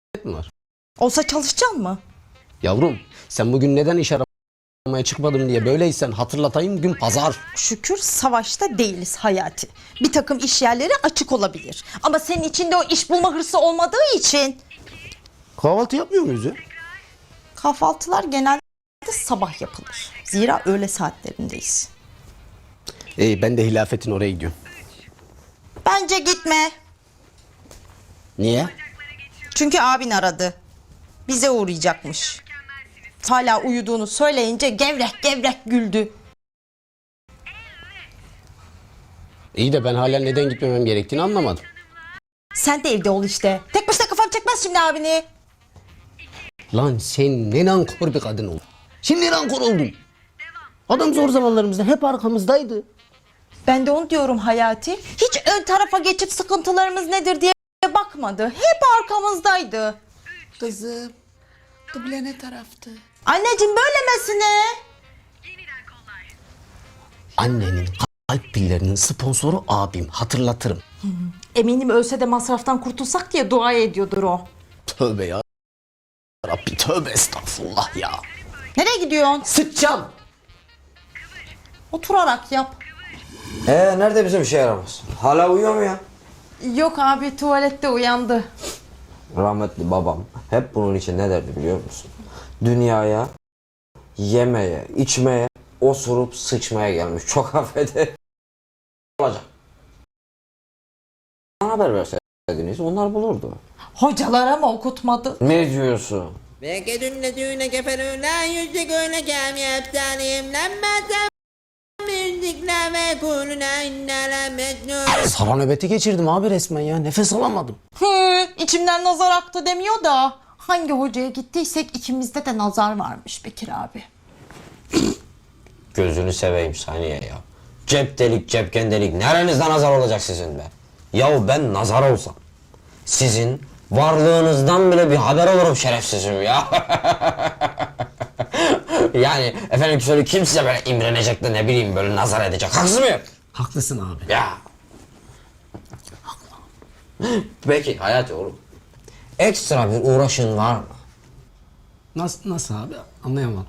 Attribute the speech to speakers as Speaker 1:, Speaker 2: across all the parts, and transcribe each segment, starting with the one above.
Speaker 1: mi var?
Speaker 2: Olsa çalışacaksın mı?
Speaker 1: Yavrum sen bugün neden iş aramaya çıkmadım diye böyleysen hatırlatayım, gün pazar.
Speaker 2: Şükür savaşta değiliz Hayati. Bir takım iş yerleri açık olabilir. Ama senin içinde o iş bulma hırsı olmadığı için.
Speaker 1: Kahvaltı yapmıyor muyuz ya?
Speaker 2: Kahvaltılar genelde sabah yapılır. Zira öğle saatlerindeyiz.
Speaker 1: Ben de Hilafet'in oraya gidiyorum.
Speaker 2: Bence gitme.
Speaker 1: Niye?
Speaker 2: Çünkü abin aradı. Bize uğrayacakmış. Hala uyuduğunu söyleyince gevrek gevrek güldü.
Speaker 1: İyi de ben hala neden gitmemem gerektiğini anlamadım.
Speaker 2: Sen de evde ol işte. Tek başına kafam çekmez şimdi abini.
Speaker 1: Lan sen ne nankor bir kadın oldun. Şimdi nankor oldun. Adam zor zamanlarımızda hep arkamızdaydı.
Speaker 2: Ben de onu diyorum Hayati. Hiç ön tarafa geçip sıkıntılarımız nedir diye bakmadı. Hep arkamızdaydı.
Speaker 3: Kızım, kıble ne taraftı?
Speaker 2: Anneciğim böylemesine.
Speaker 1: Annenin kalp pillerinin sponsoru abim, hatırlatırım.
Speaker 2: Eminim ölse de masraftan kurtulsak diye dua ediyordur o.
Speaker 1: Tövbe ya Rabbi, tövbe estağfurullah ya.
Speaker 2: Nereye gidiyorsun?
Speaker 1: Sıçacağım.
Speaker 2: Oturarak yap.
Speaker 4: Nerede bizim işe yaramaz? Hala uyuyor mu ya?
Speaker 2: Yok abi, tuvalette uyandı.
Speaker 4: Rahmetli babam hep bunun için ne derdi biliyor musun? Dünyaya yemeye, içmeye, osurup sıçmaya gelmiş. Çok affedin. Olacak. Bana haber verseydiniz onlar bulurdu.
Speaker 2: Hocalara mı okutmadı?
Speaker 4: Ne diyorsun?
Speaker 3: Belki dünle düğüne keferüne yüzlük öyle kamyap tanıyım lanmazam müzikle ve kulüne innele mecnun.
Speaker 1: Sara nöbeti geçirdim abi resmen ya, nefes alamadım.
Speaker 2: İçimden nazar aktı demiyor da. Hangi hocaya gittiysek ikimizde de nazar varmış Bekir abi.
Speaker 4: Gözünü seveyim Saniye ya. Cep delik, cepken delik. Nerenizde nazar olacak sizin be? Yahu ben nazar olsam sizin varlığınızdan bile bir haber olurum şerefsizim ya. Yani efendim söyle, kim size böyle imrenecek de ne bileyim böyle nazar edecek? Haksız mıyım?
Speaker 1: Haklısın abi.
Speaker 4: Ya. Peki Hayati oğlum. Ekstra bir uğraşın var mı?
Speaker 1: Nasıl abi, anlayamadım.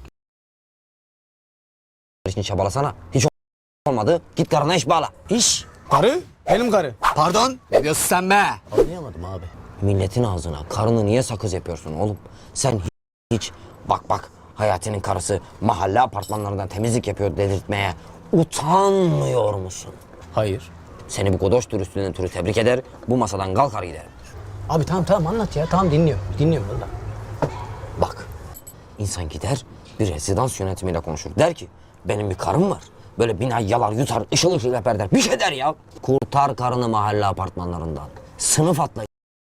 Speaker 4: İşini çabalasana. Hiç olmadı. Git karına iş bağla. İş.
Speaker 1: Karı? Benim karı. Pardon? Ne diyorsun sen be? Anlayamadım abi.
Speaker 4: Milletin ağzına karını niye sakız yapıyorsun oğlum? Sen hiç bak Hayati'nin karısı mahalle apartmanlarından temizlik yapıyor dedirtmeye utanmıyor musun?
Speaker 1: Hayır.
Speaker 4: Seni bu godoş dürüstlüğünden türü tebrik eder, bu masadan kalkar giderim.
Speaker 1: Abi tamam anlat ya, tamam dinliyorum valla.
Speaker 4: Bak, insan gider bir rezidans yönetimiyle konuşur. Der ki benim bir karım var. Böyle binayı yalar yutar, ışıl ışıl yapar der. Bir şey der ya. Kurtar karını mahalle apartmanlarından. Sınıf atla.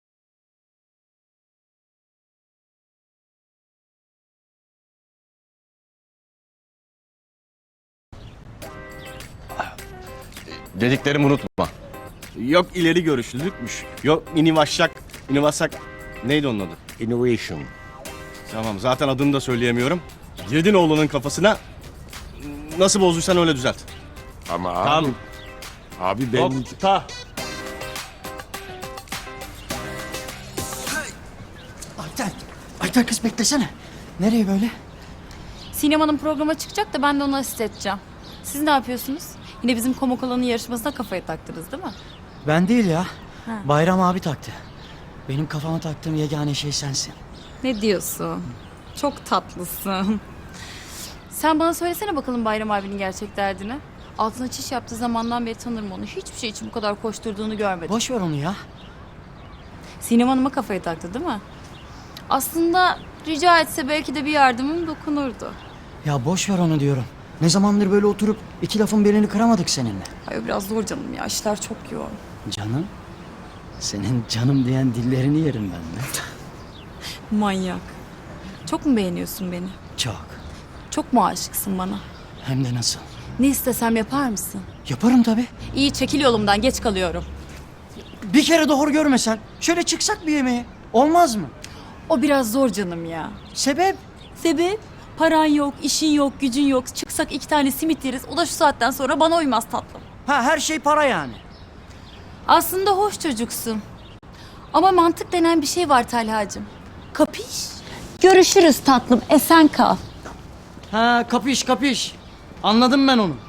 Speaker 5: Dediklerimi unutma. Yok ileri görüşlülükmüş. Yok inovasak. Neydi onun adı? Innovation. Tamam, zaten adını da söyleyemiyorum. Girdin oğlunun kafasına. Nasıl bozduysan öyle düzelt.
Speaker 6: Ama abi,
Speaker 5: Tamam.
Speaker 6: abi ben...
Speaker 5: Nokta.
Speaker 7: Ayten kız beklesene. Nereye böyle?
Speaker 8: Sinem Hanım programa çıkacak da ben de ona asist edeceğim. Siz ne yapıyorsunuz? Yine bizim Komok Alanı yarışmasına kafayı taktınız değil mi?
Speaker 7: Ben değil ya. Bayram abi taktı. Benim kafama taktığım yegane şey sensin.
Speaker 8: Ne diyorsun? Çok tatlısın. Sen bana söylesene bakalım Bayram abinin gerçek derdini. Altına çiş yaptığı zamandan beri tanırım onu. Hiçbir şey için bu kadar koşturduğunu görmedim.
Speaker 7: Boş ver onu ya.
Speaker 8: Sinem Hanım'a kafayı taktı değil mi? Aslında rica etse belki de bir yardımım dokunurdu.
Speaker 7: Ya boş ver onu diyorum. Ne zamandır böyle oturup iki lafın belini kıramadık seninle.
Speaker 8: Ay o biraz zor canım ya. İşler çok yoğun.
Speaker 7: Canım? Senin canım diyen dillerini yerim ben de.
Speaker 8: Manyak. Çok mu beğeniyorsun beni?
Speaker 7: Çok.
Speaker 8: Çok mu aşıksın bana?
Speaker 7: Hem de nasıl?
Speaker 8: Ne istesem yapar mısın?
Speaker 7: Yaparım tabii.
Speaker 8: İyi çekil yolumdan, geç kalıyorum.
Speaker 7: Bir kere de hor görmesen. Şöyle çıksak bir yemeğe. Olmaz mı?
Speaker 8: O biraz zor canım ya.
Speaker 7: Sebep?
Speaker 8: Sebep? Paran yok, işin yok, gücün yok. Çıksak 2 tane simit yeriz. O da şu saatten sonra bana uymaz tatlım.
Speaker 7: Ha, her şey para yani.
Speaker 8: Aslında hoş çocuksun. Ama mantık denen bir şey var Talhacığım. Kapış? Görüşürüz tatlım. Esen kal.
Speaker 7: Ha, kapış kapış. Anladım ben onu.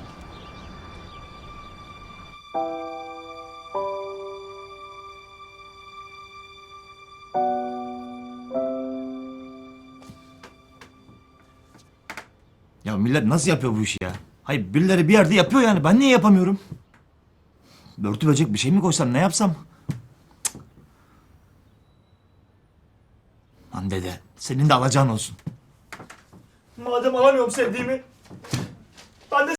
Speaker 9: Ya millet nasıl yapıyor bu işi ya? Hayır birileri bir yerde yapıyor yani. Ben niye yapamıyorum? Börtü böcek bir şey mi koysam ne yapsam? Cık. Lan dede senin de alacağın olsun. Madem alamıyorum sevdiğimi